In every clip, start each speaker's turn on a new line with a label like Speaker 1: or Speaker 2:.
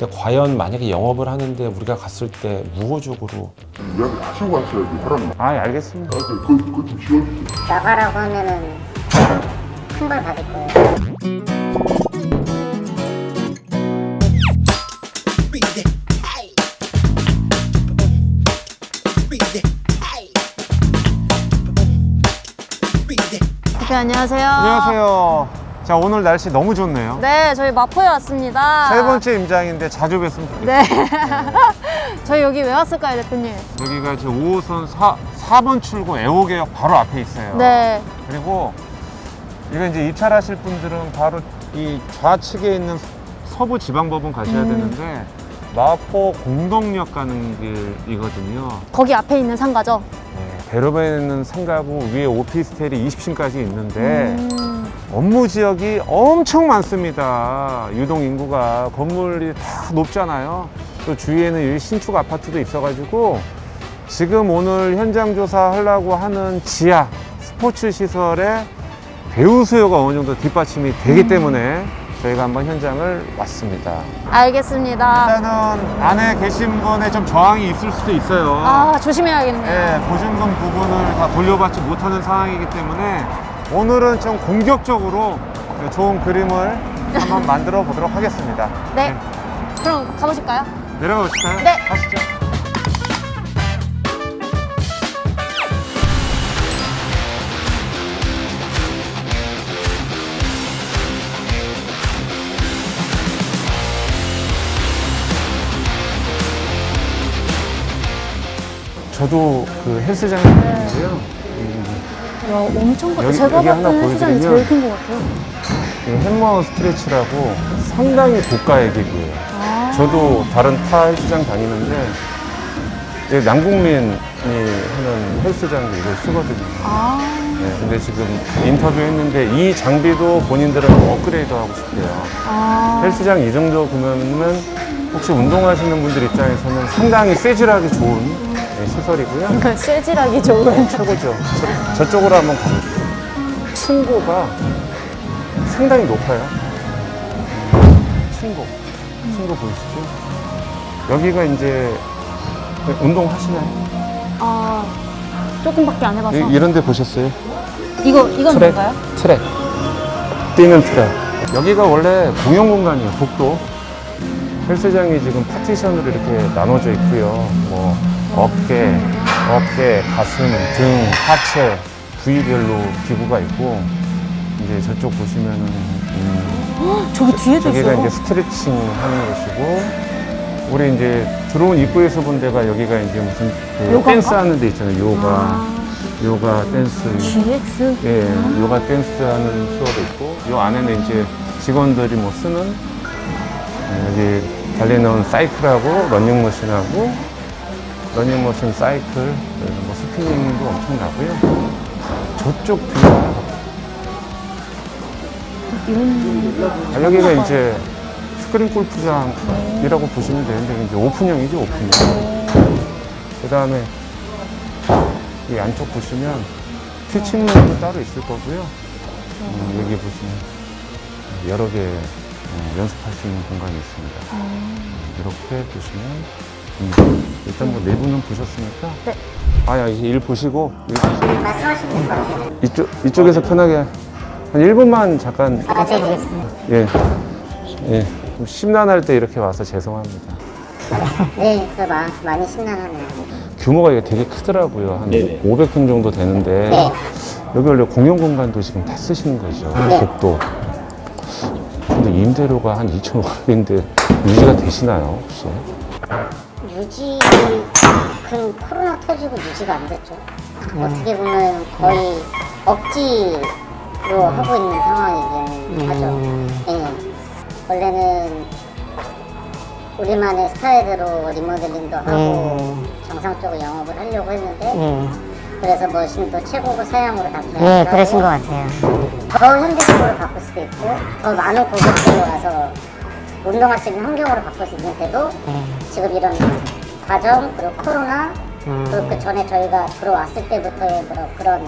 Speaker 1: 근데 과연 만약에 영업을 하는데 우리가 갔을 때 무호적으로
Speaker 2: 이야기 하시고 하셔야지 하라는 말.
Speaker 1: 알겠습니다.
Speaker 2: 그거 좀 지워주세요.
Speaker 3: 나가라고 하면은 큰 벌 받을 거예요.
Speaker 4: 대표 안녕하세요.
Speaker 5: 안녕하세요. 자, 오늘 날씨 너무 좋네요.
Speaker 4: 네, 저희 마포에 왔습니다.
Speaker 5: 세 번째 임장인데 자주 뵀으면 좋겠어요.
Speaker 4: 네. 저희 여기 왜 왔을까요, 대표님?
Speaker 5: 여기가 지금 5호선 4번 출구 애호개역 바로 앞에 있어요.
Speaker 4: 네.
Speaker 5: 그리고 이거 이제 입찰하실 분들은 바로 이 좌측에 있는 서부지방법원 가셔야 되는데 마포 공덕역 가는 길이거든요.
Speaker 4: 거기 앞에 있는 상가죠?
Speaker 5: 네, 대로변에 있는 상가고 위에 오피스텔이 20층까지 있는데 업무 지역이 엄청 많습니다. 유동 인구가 건물이 다 높잖아요. 또 주위에는 신축 아파트도 있어가지고 지금 오늘 현장 조사하려고 하는 지하 스포츠 시설에 배우 수요가 어느 정도 뒷받침이 되기 때문에 저희가 한번 현장을 왔습니다.
Speaker 4: 알겠습니다.
Speaker 5: 일단은 안에 계신 분에 좀 저항이 있을 수도 있어요.
Speaker 4: 아, 조심해야겠네요.
Speaker 5: 네, 보증금 부분을 다 돌려받지 못하는 상황이기 때문에 오늘은 좀 공격적으로 좋은 그림을 한번 만들어 보도록 하겠습니다.
Speaker 4: 네. 그럼 가보실까요?
Speaker 5: 내려가 보실까요?
Speaker 4: 네.
Speaker 5: 가시죠.
Speaker 1: 저도 그 헬스장에 있는데요.
Speaker 4: 야, 엄청 커.
Speaker 1: 여기-
Speaker 4: 제가
Speaker 1: 여기 하나
Speaker 4: 봤던 헬스장이
Speaker 1: 보여드리면-
Speaker 4: 제일 큰 것 같아요.
Speaker 1: 햄머 스트레치라고 상당히 고가의 기구예요.
Speaker 4: 아.
Speaker 1: 저도 다른 타 헬스장 다니는데 여기 남국민이 하는 헬스장도 이걸 쓰거든요.
Speaker 4: 아.
Speaker 1: 네, 근데 지금 인터뷰했는데 이 장비도 본인들은 업그레이드 하고 싶대요.
Speaker 4: 아.
Speaker 1: 헬스장 이 정도 보면은 혹시 운동하시는 분들 입장에서는 상당히 쇠질하기 좋은 시설이고요.
Speaker 4: 쇠질하기 좋은.
Speaker 1: 최고죠. 저쪽으로 한번 가볼게요. 층고가 상당히 높아요. 층고 보이시죠? 여기가 이제 운동하시나요?
Speaker 4: 아, 조금밖에 안 해봐서.
Speaker 1: 이런 데 보셨어요?
Speaker 4: 이건
Speaker 1: 트랙?
Speaker 4: 뭔가요?
Speaker 1: 트랙. 뛰는 트랙. 여기가 원래 공용 공간이에요, 복도. 헬스장이 지금 파티션으로 이렇게 나눠져 있고요. 뭐 어깨, 가슴, 등, 하체 부위별로 기구가 있고 이제 저쪽 보시면은
Speaker 4: 저기 뒤에도
Speaker 1: 저기가
Speaker 4: 있어요.
Speaker 1: 이제 스트레칭 하는 곳이고 우리 이제 들어온 입구에서 본 데가 여기가 이제 무슨 그
Speaker 4: 요가인가?
Speaker 1: 댄스 하는 데 있잖아요. 요가 댄스.
Speaker 4: GX?
Speaker 1: 예, 요가 댄스 하는 수업도 있고 요 안에는 이제 직원들이 뭐 쓰는 여기 달리는 사이클하고 러닝머신하고 러닝머신 사이클 뭐 스피닝도 엄청 나고요. 저쪽 뒤에 여기가 이제 스크린 골프장이라고 보시면 되는데 이제 오픈형이죠, 오픈형. 그 다음에 이 안쪽 보시면 티칭룸도 따로 있을 거고요. 여기 보시면 여러 개 연습할 수 있는 공간이 있습니다. 이렇게 보시면 일단 뭐 내부는 보셨으니까
Speaker 4: 네.
Speaker 1: 아야 이제 일 보시고
Speaker 3: 말씀하시는 거 같아요.
Speaker 1: 이쪽에서 편하게 한 1분만 잠깐
Speaker 3: 여쭤보겠습니다.
Speaker 1: 예. 좀 심란할 때 이렇게 와서 죄송합니다.
Speaker 3: 네, 많이 심란하네요.
Speaker 1: 규모가 이게 되게 크더라고요. 한 500평 정도 되는데
Speaker 3: 네.
Speaker 1: 여기 원래 공용 공간도 지금 다 쓰시는 거죠.
Speaker 3: 네.
Speaker 1: 복도. 근데 임대료가 한 2,500인데 유지가 되시나요, 혹시?
Speaker 3: 그 코로나 터지고 유지가 안 됐죠. 어떻게 보면 거의 억지로 하고 있는 상황이긴 하죠. 예. 원래는 우리만의 스타일대로 리모델링도 하고 정상적으로 영업을 하려고 했는데 그래서 머신도 최고급 사양으로 다
Speaker 6: 네, 그러신 것 같아요.
Speaker 3: 더 현대식으로 바꿀 수도 있고 더 많은 고객들이 와서 운동할 수 있는 환경으로 바꿀 수 있는데도 지금 이런 과정 그리고 코로나 그리고 그 전에 저희가 들어왔을 때부터의 그런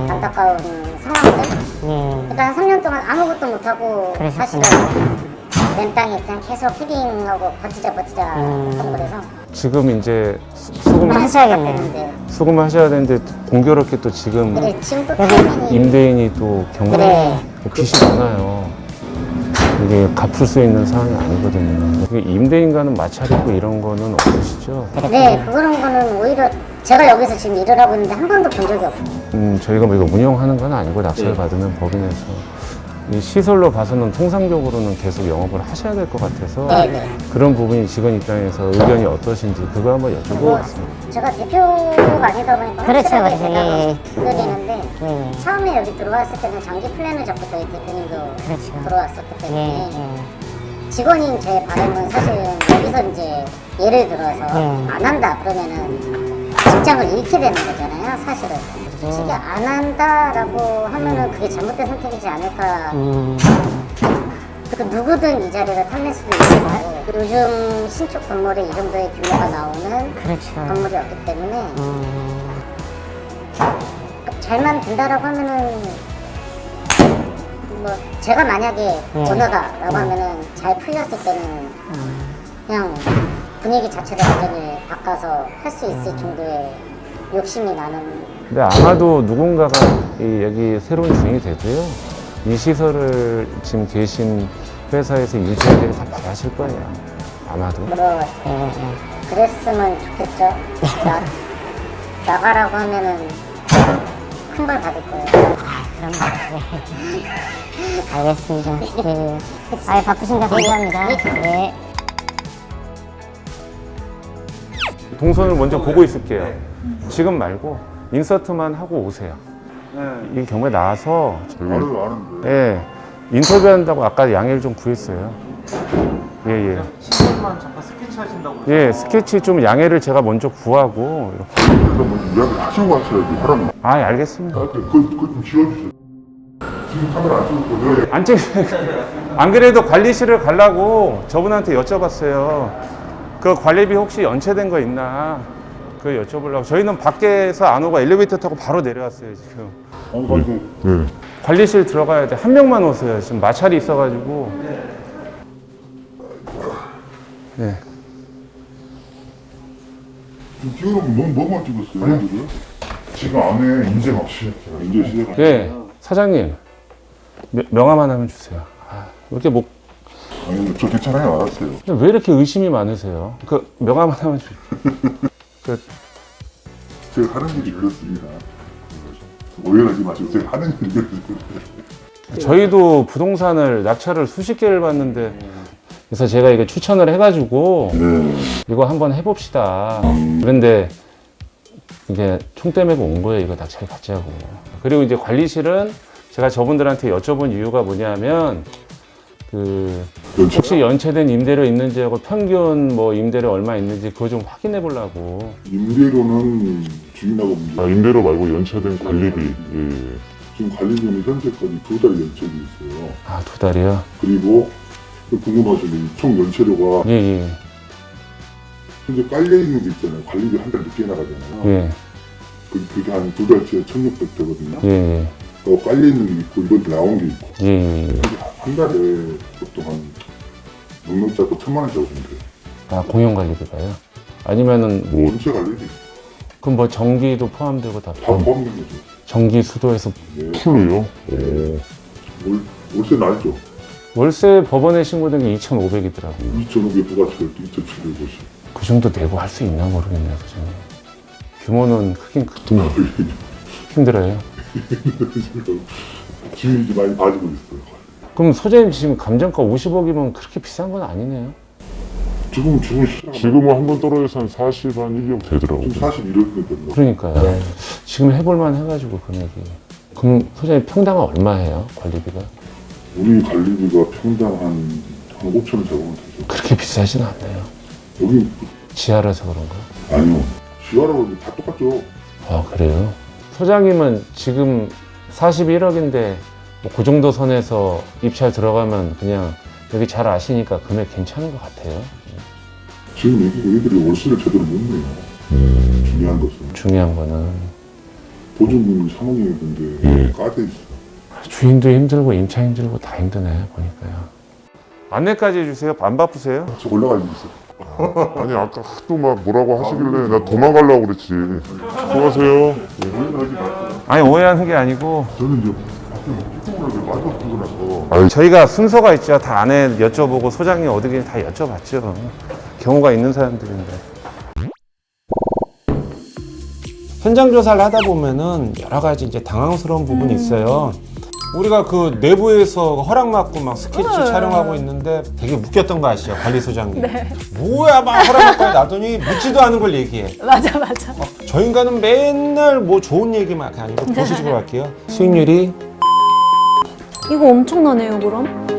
Speaker 3: 안타까운 상황들 그러니까 한 3년 동안 아무것도 못하고
Speaker 6: 그러셨구나.
Speaker 3: 사시다가 맨 땅에 그냥 계속 헤딩하고 버티자 했던 거라서
Speaker 1: 지금 이제 수금
Speaker 3: 하셔야겠네요.
Speaker 1: 수금하셔야 되는데 공교롭게 또 지금
Speaker 3: 그래 지금도 타이밍이
Speaker 1: 임대인이 또 경매
Speaker 3: 그래.
Speaker 1: 빚이 많아요. 이게 갚을 수 있는 상황이 아니거든요. 이게 임대인과는 마찰이고 이런 거는 없으시죠?
Speaker 3: 네 그런 거는 오히려 제가 여기서 지금 일을 하고 있는데 한 번도 본 적이 없어요.
Speaker 1: 저희가 뭐 이거 운영하는 건 아니고 낙찰 받으면 법인에서 이 시설로 봐서는 통상적으로는 계속 영업을 하셔야 될 것 같아서
Speaker 3: 네네.
Speaker 1: 그런 부분이 직원 입장에서 의견이 어떠신지 그거 한번 여쭤보겠습니다.
Speaker 3: 제가 대표가 아니다 보니까
Speaker 6: 그렇죠,
Speaker 3: 확실하게
Speaker 6: 그렇죠.
Speaker 3: 제가
Speaker 6: 예,
Speaker 3: 드리는데
Speaker 6: 예.
Speaker 3: 처음에 여기 들어왔을 때는 장기 플랜을 잡고 저희 대표님도
Speaker 6: 그렇죠.
Speaker 3: 들어왔었기
Speaker 6: 예,
Speaker 3: 때문에
Speaker 6: 예.
Speaker 3: 직원인 제 바람은 사실은 여기서 이제 예를 들어서
Speaker 6: 예.
Speaker 3: 안 한다 그러면은 직장을 잃게 되는 거잖아요 사실은. 솔직히 안 한다라고 하면은 그게 잘못된 선택이지 않을까. 그 누구든 이 자리를 탐낼 수도 있고 요즘 신축 건물에 이 정도의 규모가 나오는
Speaker 6: 그렇죠.
Speaker 3: 건물이 없기 때문에 잘만 된다라고 하면은 뭐 제가 만약에 오너다라고 하면은 잘 풀렸을 때는 그냥 분위기 자체를 완전히 바꿔서 할 수 있을 정도의 욕심이 나는.
Speaker 1: 근데 아마도 누군가가 여기 새로운 주인이 돼도요, 이 시설을 지금 계신 회사에서 유지하기를 다 바라실 거예요. 아마도.
Speaker 3: 뭐 그랬으면 좋겠죠. 나가라고 하면은 큰 벌 받을 거예요.
Speaker 6: 알겠습니다. 네. 아유, 바쁘신데 감사합니다. 네.
Speaker 1: 동선을 먼저 보고 있을게요. 지금 말고 인서트만 하고 오세요. 이 경우에 나와서
Speaker 2: 아는데.
Speaker 1: 예, 인터뷰한다고 아까 양해를 좀 구했어요. 예.
Speaker 7: 시간만 잠깐 스케치 하신다고
Speaker 1: 예, 스케치 좀 양해를 제가 먼저 구하고 이렇게.
Speaker 2: 그럼 뭐 이야기 하시고 하셔야지 하라는.
Speaker 1: 아, 알겠습니다.
Speaker 2: 그거 좀 지워주세요. 지금 카메라 안 찍고 내가
Speaker 1: 안 찍. 안 그래도 관리실을 가려고 저분한테 여쭤봤어요. 그 관리비 혹시 연체된 거 있나? 그 여쭤보려고. 저희는 밖에서 안 오고 엘리베이터 타고 바로 내려왔어요 지금.
Speaker 2: 네.
Speaker 1: 관리실 들어가야 돼. 한 명만 오세요. 지금 마찰이 있어가지고. 네.
Speaker 2: 지금 찍으면 뭐만 찍었어요? 지금? 지금 안에 인쇄 막 시작해요. 인쇄 시작.
Speaker 1: 예, 사장님 명함 하나만 주세요. 아, 왜 이렇게 뭐,
Speaker 2: 아니 저 괜찮아요. 알았어요.
Speaker 1: 왜 이렇게 의심이 많으세요? 그 명함 하나만 주. 그
Speaker 2: 제가 하는 일이 그렇습니다. 오해하지 마시고 제가 하는 일이 그렇습니다.
Speaker 1: 저희도 부동산을 낙찰을 수십 개를 봤는데, 그래서 제가 이거 추천을 해가지고
Speaker 2: 네.
Speaker 1: 이거 한번 해봅시다. 그런데 이게 총대 메고 온 거예요. 이거 낙찰 받자고. 그리고 이제 관리실은 제가 저분들한테 여쭤본 이유가 뭐냐면, 그 혹시 연체된 임대료 있는지하고 평균 뭐 임대료 얼마 있는지 그거 좀 확인해 보려고.
Speaker 2: 임대료는 주인하고 문제.
Speaker 8: 임대료 말고 연체된 관리비. 예.
Speaker 2: 지금 관리비는 현재까지 2달 연체돼 있어요.
Speaker 1: 아, 2달이요?
Speaker 2: 그리고 궁금하시면 총 연체료가
Speaker 1: 예.
Speaker 2: 현재 깔려 있는 게 있잖아요. 관리비 한 달 늦게 나가잖아요.
Speaker 1: 예.
Speaker 2: 그게 한 2달치에 1,600 되거든요.
Speaker 1: 예.
Speaker 2: 깔려 있는 게 있고 이번 나온 게 있고.
Speaker 1: 예.
Speaker 2: 한 달에 보통 한 넉넉 잡고 1,000만 원 잡으면 돼요.
Speaker 1: 아, 공용 관리비가요? 아니면은
Speaker 2: 연체 관리비
Speaker 1: 그럼 뭐 전기도 포함되고 다
Speaker 2: 다 포함된 거죠.
Speaker 1: 전기 수도에서
Speaker 2: 네.
Speaker 8: 풀로요?
Speaker 2: 월세 날죠.
Speaker 1: 월세 법원에 신고된 게 2,500이더라고요.
Speaker 2: 2,500 부가세가 2,750.
Speaker 1: 그 정도 내고 할 수 있나 모르겠네요, 사장님. 규모는 크긴 힘들어요.
Speaker 2: 주인이 많이 빠지고 있어요.
Speaker 1: 그럼 소장님 지금 감정가 50억이면 그렇게 비싼 건 아니네요.
Speaker 2: 지금
Speaker 8: 지금은 한 번 떨어져서 한 40, 한 1억 되더라고요.
Speaker 2: 41억 된다.
Speaker 1: 그러니까요. 지금 해볼만 해가지고 금액이. 그럼 소장님 평당 얼마 해요? 관리비가?
Speaker 2: 우리 관리비가 평당 한 5천 원 잡으면 되죠.
Speaker 1: 그렇게 비싸진 않네요.
Speaker 2: 여기
Speaker 1: 지하라서 그런가?
Speaker 2: 아니요. 지하라고 다 똑같죠.
Speaker 1: 아, 그래요? 소장님은 지금 41억인데 뭐 그 정도 선에서 입찰 들어가면 그냥 여기 잘 아시니까 금액 괜찮은 것 같아요.
Speaker 2: 지금 얘들이 월세를 제대로 못 내요. 중요한 것은
Speaker 1: 중요한 거는
Speaker 2: 보증금이 3억이었는데 까져 있어.
Speaker 1: 주인도 힘들고 임차 힘들고 다 힘드네 보니까요.
Speaker 5: 안내까지 해주세요. 안 바쁘세요?
Speaker 2: 저 올라가 있는 있어.
Speaker 8: 아니 아까 또 막 뭐라고 하시길래 나 도망가려고 그랬지. 수고하세요.
Speaker 2: 오해하지 마세요.
Speaker 5: 아니 오해하는 게 아니고
Speaker 2: 저는 이제 밖에 피부를 마저 쓰고 나서
Speaker 5: 저희가 순서가 있죠. 다 안에 여쭤보고 소장님 어디든지 다 여쭤봤죠. 경우가 있는 사람들인데.
Speaker 9: 현장 조사를 하다 보면은 여러 가지 이제 당황스러운 부분이 있어요. 우리가 그 내부에서 허락받고 막 스케치 촬영하고 있는데 되게 웃겼던 거 아시죠? 관리소장님. 뭐야 막 허락받고 나더니 묻지도 않은 걸 얘기해.
Speaker 4: 맞아.
Speaker 9: 저 인간은 맨날 뭐 좋은 얘기만 아니고 보수적으로 할게요. 수익률이
Speaker 4: 이거 엄청나네요, 그럼?